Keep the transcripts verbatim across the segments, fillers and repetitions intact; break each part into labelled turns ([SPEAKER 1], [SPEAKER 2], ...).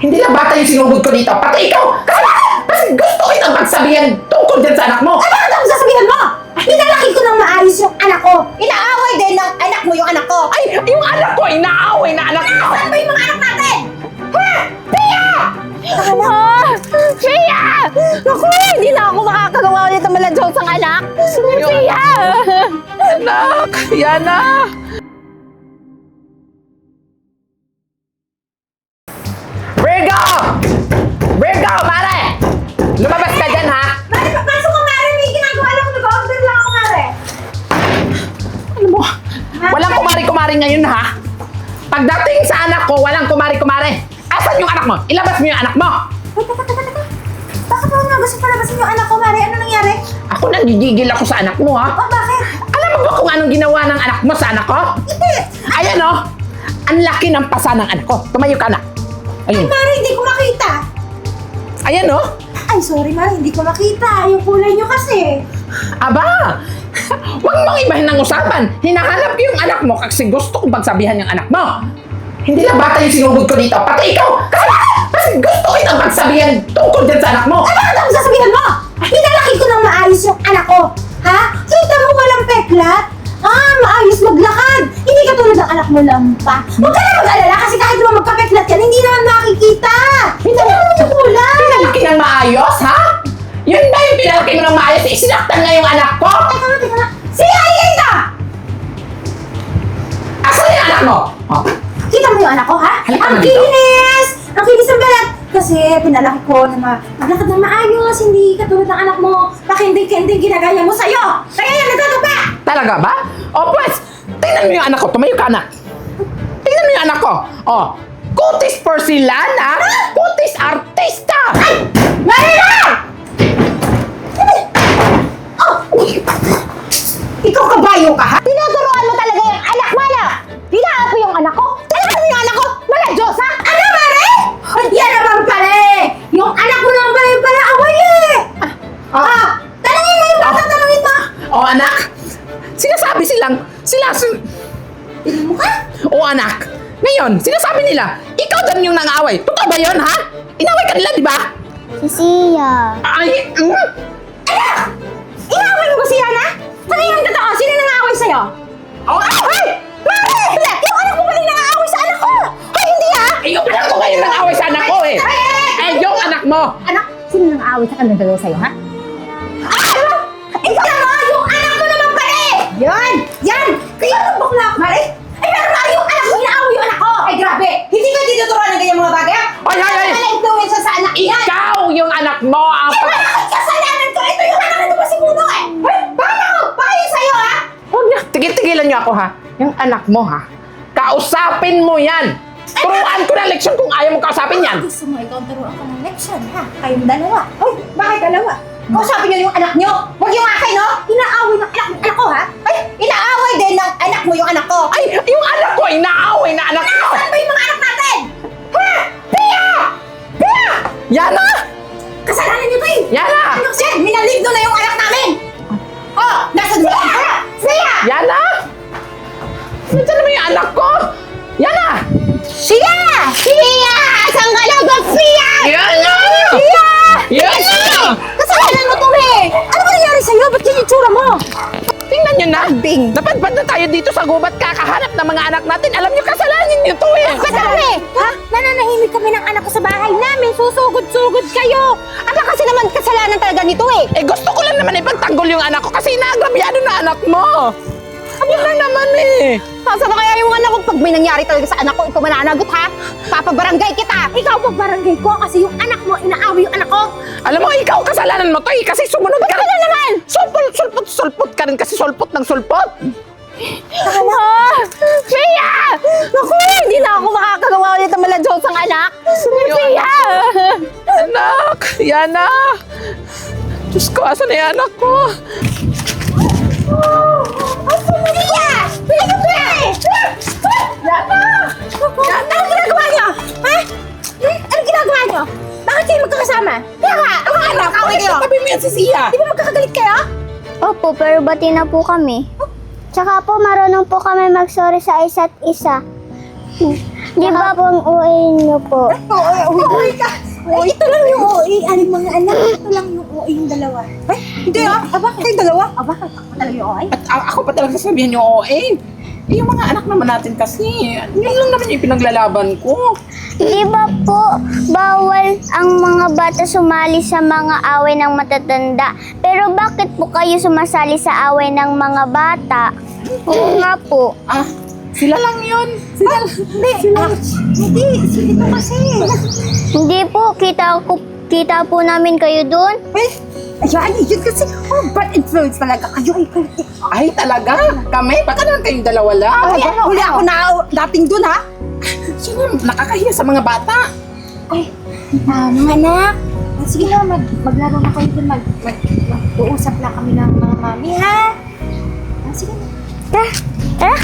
[SPEAKER 1] Hindi lang bata yung sinugod ko dito, pati ikaw! Kasalanan! Kasi gusto ko itang magsabihan tungkol dyan sa anak mo!
[SPEAKER 2] Ay, bakit ako sasabihan mo? Pinalaki ko ng maayos yung anak ko. Inaaway din ng anak mo yung anak ko.
[SPEAKER 1] Ay! Yung anak ko, inaaway na anak ko!
[SPEAKER 2] Saan ba yung mga anak natin? Ha? Pia!
[SPEAKER 3] Ah! Pia! Naku, hindi na ako makakagawa ulit ng maladyos ang anak. Pia!
[SPEAKER 1] Anak! Yana! Virgo! Virgo, mare! Lumabas ka dyan, ha?
[SPEAKER 2] Mari, papasok ko, Mari. May ginagawa lang. Nag-order lang ako, Mari.
[SPEAKER 1] Ano mo? Walang kumari-kumari ngayon, ha? Pagdating sa anak ko, walang kumari-kumari. Asan yung anak mo? Ilabas mo yung anak mo!
[SPEAKER 2] Ay, teka, teka, teka. Bakit mo nga gusto palabasin yung anak ko, Mari? Ano nangyari?
[SPEAKER 1] Ako nanggigigil ako sa anak mo, ha?
[SPEAKER 2] Oh, bakit?
[SPEAKER 1] Alam mo ba kung anong ginawa ng anak mo sa anak ko?
[SPEAKER 2] Hindi.
[SPEAKER 1] Ayan, oh! Ang laki ng pasa ng anak ko. Tumayo ka na. Ayun.
[SPEAKER 2] Mari, hindi ko makita.
[SPEAKER 1] Ayan, oh!
[SPEAKER 2] Ay, sorry, Mari. Hindi ko makita. Yung kulay nyo kasi.
[SPEAKER 1] Aba! Huwag mong ibahin ng usapan. Hinahanap ko yung anak mo kasi gusto kong pagsabihan yung anak mo. Hindi lang bata yung sinugod ko dito, pati ikaw! Kasalanan! Kasi gusto ko itang pagsabihan tungkol dyan sa anak mo.
[SPEAKER 2] Ay, bakit ako sasabihan mo? Pinalaki ko ng maayos yung anak ko. Ha? Kita mo walang peklat? Ah, maayos maglakad. Hindi ka tulad ng anak mo lampa. Huwag ka na mag-alala kasi kahit naman magkapeklat yan, hindi naman makikita. Hindi naman yung kulay.
[SPEAKER 1] Pinalaki ng maayos, ha? Yun ba yung pinalaki mo ng maayos? Isinaktan nga yung anak ko?
[SPEAKER 2] Teka nga, teka nga. Si Aida!
[SPEAKER 1] Asan yung anak mo? Oh.
[SPEAKER 2] Kita mo yung anak ko, ha?
[SPEAKER 1] Halika
[SPEAKER 2] Ang
[SPEAKER 1] na dito.
[SPEAKER 2] kinis! Ang kinis ng balat! Kasi pinalaki ko na ma- maglakad ng maayos, hindi katulad ng anak mo. Pakinding-kinding ginagaya mo sa'yo. Kaya yan, nagkakapa!
[SPEAKER 1] Talaga ba? O pues, tingnan mo yung anak ko. Tumayo ka na. Tingnan mo yung anak ko. Oh, kutis porcelana, kutis artista.
[SPEAKER 2] Ay! Marina! Oh! Ikaw kabayo ka, ha?
[SPEAKER 3] Tinuturuan mo talaga yung anak mo, ano? Pinaapo yung anak ko? Talaga mo yung anak ko? Maladyos, ha?
[SPEAKER 2] Ano, Mare? Ay, yan naman pala eh! Yung anak mo naman pala yung pala away eh! Ah, ah, talangin mo yung bata, talangin mo!
[SPEAKER 1] O anak, sinasabi silang, sila, sin-
[SPEAKER 2] Tingnan mo ka?
[SPEAKER 1] o anak, ngayon, sinasabi nila, ikaw dyan yung nang-away. Totoo ba yun, ha? Inaway ka nila, di ba?
[SPEAKER 3] Si Sia.
[SPEAKER 1] Ay, mm,
[SPEAKER 2] Anak! Inaaway mo ba si Yana? Ano yung totoo? Sino nang-aaway sa'yo?
[SPEAKER 1] oh,
[SPEAKER 2] Ay! Mare! Yung anak mo pala yung nang-aaway sa anak ko! Ay, hindi ha!
[SPEAKER 1] ay, yung anak ko ngayon nang-away sa anak ko, eh.
[SPEAKER 2] Ay, ay, ay!
[SPEAKER 1] Eh, yung anak mo.
[SPEAKER 2] Anak!
[SPEAKER 3] Sino nang aaway sa kanila dalawa sa'yo, ha?
[SPEAKER 2] Ah! Ikaw naman! Yung anak mo naman pala eh! Yan! Yan! Kaya ang bakla ako, Mare! Ay, pero Mare, yung anak mo, inaaway yung anak ko! Ay, grabe! Hindi ka tinuturuan ng ganyan mga bagay, ha?
[SPEAKER 1] Ay, ay, ay!
[SPEAKER 2] Wala influensya sa anak yan!
[SPEAKER 1] Ikaw yung anak mo ang
[SPEAKER 2] Eh, wala kang kasalanan ko! Ito yung anak nito pa si Muno eh! Ay, bakit ako? Bakit yung sa'yo, ha?
[SPEAKER 1] Huwag niya. Tigil-tigilan niyo ako, ha? Yung anak mo, ha? Kausapin mo yan! Turuan ko na leksyon kung ayaw mo kausapin yan!
[SPEAKER 2] Gusto mo ikaw turuan ko ng leksyon, ha? Kayong dalawa. Hoy, bakit dalawa? Kausapin niyo yung anak niyo! Huwag yung akin, no? Inaaway ng anak, anak ko, ha? Ay, inaaway din ng anak mo yung anak ko!
[SPEAKER 1] Ay! Yung anak ko, inaaway na anak ko!
[SPEAKER 2] Saan ba yung mga anak natin? Ha? Pia! Pia!
[SPEAKER 1] Yana!
[SPEAKER 2] Kasalanan niyo to eh!
[SPEAKER 1] Yana!
[SPEAKER 2] Ano kasi? Minaligdo na yung anak namin! Oh, nasa doon ka! Siya!
[SPEAKER 1] Yana! Nandiyan naman yung anak ko! Yana!
[SPEAKER 2] Siya! Siya! Saan ka na ba, Siya?
[SPEAKER 1] Yana!
[SPEAKER 2] Siya!
[SPEAKER 1] Yana!
[SPEAKER 2] Kasalanan mo to eh! Ano ba nangyari sa'yo? Ba't yung itsura mo?
[SPEAKER 1] Tingnan nyo na!
[SPEAKER 2] Bing.
[SPEAKER 1] Napadpad na tayo dito sa gubat kakahanap ng mga anak natin. Alam nyo, kasalanan nyo to eh!
[SPEAKER 2] Madami! Ha? Nananahimik kami ng anak ko sa bahay namin. Susugod-sugod kayo. Ano kasi naman kasalanan talaga nito eh?
[SPEAKER 1] Eh gusto ko lang naman ipagtanggol yung anak ko kasi naagrabyado na anak mo! Ano na naman eh!
[SPEAKER 2] Saan ba kaya yung anak ko? Pag may nangyari talaga sa anak ko, ikaw mananagot ha? Papabarangay kita! Ikaw papabarangay ko kasi yung anak mo, inaaway yung anak ko!
[SPEAKER 1] Alam mo, ikaw kasalanan mo to eh kasi sumunod ka rin.
[SPEAKER 2] Ano naman?
[SPEAKER 1] Sulpot, sulpot, sulpot ka rin kasi sulpot ng sulpot!
[SPEAKER 3] Ah! Pia! Naku, hindi na ako makakagawa ulit ng maladyos ang anak. Pia!
[SPEAKER 1] Anak! Yana! Diyos ko, asan na yung anak ko?
[SPEAKER 2] Pia! Pia ka Pia eh!
[SPEAKER 1] Yana!
[SPEAKER 2] Anong ginagawa niyo? Ha? Hmm? Anong ginagawa niyo? Bakit kayo magkakasama? Kaya nga, ang mga anak, away kayo!
[SPEAKER 1] Sabi mo yan si Sia!
[SPEAKER 2] Di ba magkakagalit kayo?
[SPEAKER 4] Opo, pero bati na po kami. Tsaka po, marunong po kami mag-sorry sa isa't isa. Di ba po ang O A niyo po?
[SPEAKER 2] Oo, oo, ka. Ay, ito lang yung O A. Aling mga anak, ito lang yung O A yung dalawa. Ay, hindi ah. Ah, bakit? Kayong dalawa? Ah, bakit? Ako talaga yung O A?
[SPEAKER 1] At a- ako pa talaga sasabihin yung O A. Eh, yung mga anak naman natin kasi, yun lang naman yung pinaglalaban ko.
[SPEAKER 4] Di ba po bawal ang mga bata sumali sa mga away ng matatanda? Pero bakit po kayo sumasali sa away ng mga bata? Oo nga po.
[SPEAKER 1] Ah, sila lang yun. Sila lang.
[SPEAKER 2] Hindi, ah, hindi. Ito kasi.
[SPEAKER 4] Hindi po, kita ko kita po namin kayo doon.
[SPEAKER 2] Eh, ayan, yun kasi. Oh, bad influence talaga kayo. Ay, kayo.
[SPEAKER 1] Ay, talaga? Kami? Baka naman kayong dalawa lang.
[SPEAKER 2] Ay, ano, huli ako na dating dun, ha?
[SPEAKER 1] Sino nakakahiya sa mga bata?
[SPEAKER 2] Ay, ah, mga anak. Ah, sige na, mag, maglaro na kayo dun. Mag, mag, mag-uusap na kami ng mga mami, ha? Ah, sige na.
[SPEAKER 4] Tara, tara,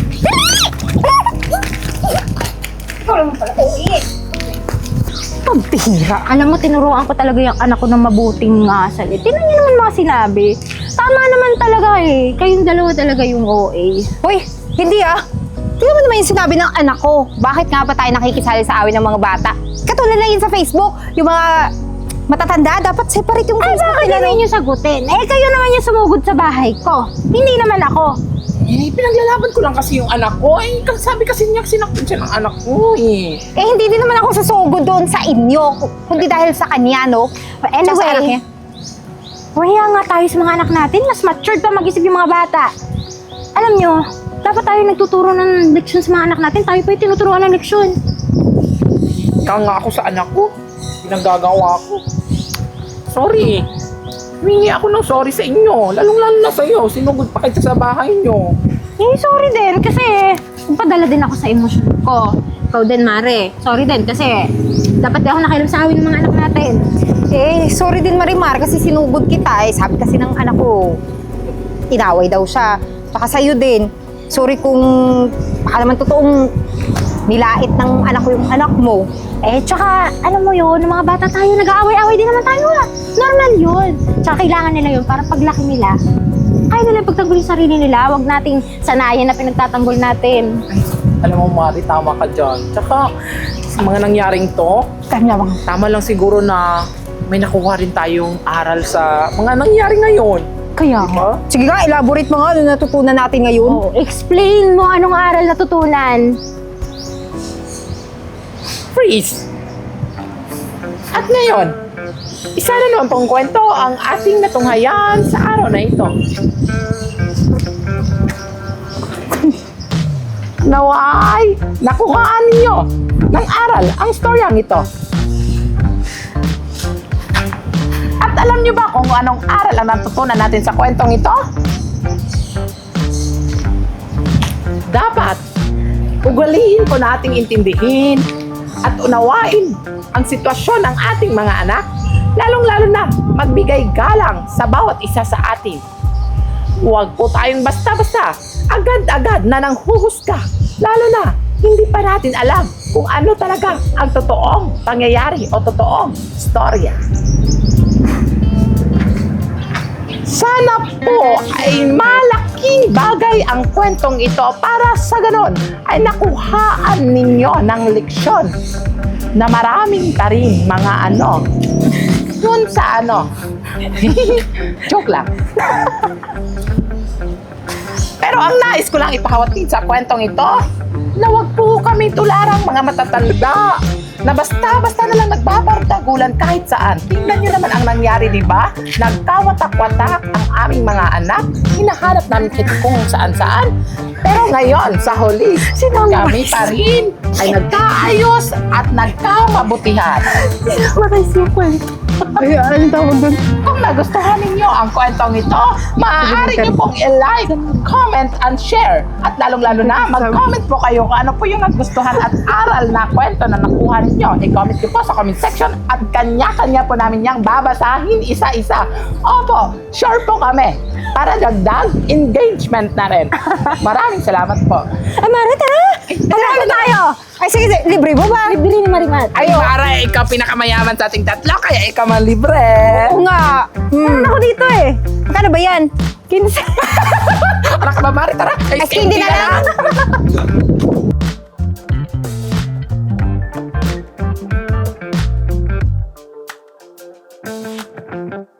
[SPEAKER 2] Ikaw naman pala, uwi.
[SPEAKER 3] Pagpihira. Alam mo, tinuruan ko talaga yung anak ko ng mabuting ngasal. Eh. Tingnan niyo naman mga sinabi. Tama naman talaga eh. Kayong dalawa talaga yung O A.
[SPEAKER 5] Hoy, hindi ah. Tingnan mo naman yung sinabi ng anak ko. Bakit nga ba tayo nakikisali sa awin ng mga bata? Katulad na yun sa Facebook, yung mga matatanda, dapat separate yung
[SPEAKER 3] Ay,
[SPEAKER 5] Facebook
[SPEAKER 3] bakit
[SPEAKER 5] nila.
[SPEAKER 3] naman yung sagutin? Eh, kayo naman yung sumugod sa bahay ko. Hindi naman ako.
[SPEAKER 1] Eh, pinaglalaban ko lang kasi yung anak ko. Eh, kasi sabi kasi niya, sinaktan siya ng anak ko eh.
[SPEAKER 5] Eh, hindi din naman ako sasugod doon sa inyo, kundi dahil sa kanya, no?
[SPEAKER 3] But
[SPEAKER 5] Tsaka sa anak
[SPEAKER 3] anyway,
[SPEAKER 5] niya.
[SPEAKER 3] wala nga tayo sa mga anak natin. Mas matured pa mag-isip yung mga bata. Alam nyo, dapat tayo nagtuturo ng leksyon sa mga anak natin. Tayo pa yung tinuturuan ng leksyon.
[SPEAKER 1] Ika nga ako sa anak ko. Pinagagawa ko. Sorry. Humingi ako ng sorry sa inyo. Lalong-lalo na sa'yo. Sinugod pa kayo sa bahay nyo.
[SPEAKER 3] Eh, sorry din kasi padala din ako sa emosyon ko. Ikaw din, Mare. Sorry din kasi dapat di ako nakialam sa awin ng mga anak natin.
[SPEAKER 5] Eh, sorry din Marimar kasi sinugod kita eh. Sabi kasi ng anak ko, inaway daw siya. Tsaka sa'yo din. Sorry kung baka naman totoong nilait ng anak ko yung anak mo.
[SPEAKER 3] Eh, tsaka, alam mo yun, ng mga bata tayo, nag-aaway-aaway din naman tayo. ah. Normal yun. Tsaka kailangan nila yun para paglaki nila, kaya nila pagtanggol yung sarili nila. Huwag nating sanayan na pinagtatanggol natin.
[SPEAKER 1] Ay, alam mo, Mari, tama ka dyan. Tsaka, sa mga nangyaring to,
[SPEAKER 5] Kanya bang
[SPEAKER 1] tama lang siguro na may nakuha rin tayong aral sa mga nangyari ngayon.
[SPEAKER 3] Kaya
[SPEAKER 1] Diba?
[SPEAKER 5] Sige nga, elaborate mo nga ano natutunan natin ngayon.
[SPEAKER 3] Oh, explain mo anong aral natutunan.
[SPEAKER 1] Freeze! At ngayon, isa na naman pong kwento ang ating natunghayan sa araw na ito. Naway, nakuhaan ninyo ng aral ang storyang ito. At alam niyo ba kung anong aral ang natutunan natin sa kwentong ito? Dapat, ugaliin po nating intindihin at unawain ang sitwasyon ng ating mga anak, lalong-lalo na magbigay galang sa bawat isa sa atin. Huwag po tayong basta-basta, agad-agad na nang huhusga, lalo na hindi pa natin alam kung ano talaga ang totoong pangyayari o totoong storya. Sana po ay malaking bagay ang kwentong ito para sa ganon ay nakuhaan ninyo ng leksyon na maraming taring mga ano dun sa ano. Joke lang. Pero ang nais ko lang ipahawatid sa kwentong ito na wag po kami tularang mga matatanda na basta-basta na lang nagbabardagulan kahit saan. Tingnan nyo naman ang nangyari, di ba? Nagkawatak-watak ang aming mga anak. Hinahanap namin kit kung saan-saan. Pero ngayon, sa huli, kami pa rin ay nagkaayos at nagkamabutihan.
[SPEAKER 3] Maray sequel.
[SPEAKER 5] Ay, ano tawag doon?
[SPEAKER 1] Kung nagustuhan ninyo ang kwentong ito, maaari nyo pong i-like, comment, and share. At lalong-lalo na, mag-comment po kayo kung ano po yung nagustuhan at aral na kwento na nakuha ninyo. I-comment nyo po sa comment section at kanya-kanya po namin yang babasahin isa-isa. Opo, sure po kami para dagdag engagement na rin. Maraming salamat po.
[SPEAKER 5] Ay, Mare, tara! Magkano tayo? Ay, sige, sige, libre mo ba?
[SPEAKER 3] Libre ni Marimat.
[SPEAKER 1] Ay, para ikaw pinakamayaman sa ating tatlo, kaya ikaw man libre.
[SPEAKER 5] Oo nga. Hmm.
[SPEAKER 3] Ako dito eh.
[SPEAKER 5] Magkano ba yan?
[SPEAKER 3] Kinsa.
[SPEAKER 1] Anak ka ba, Mari? Tara.
[SPEAKER 5] Ay, hindi na lang.
[SPEAKER 1] Thank you.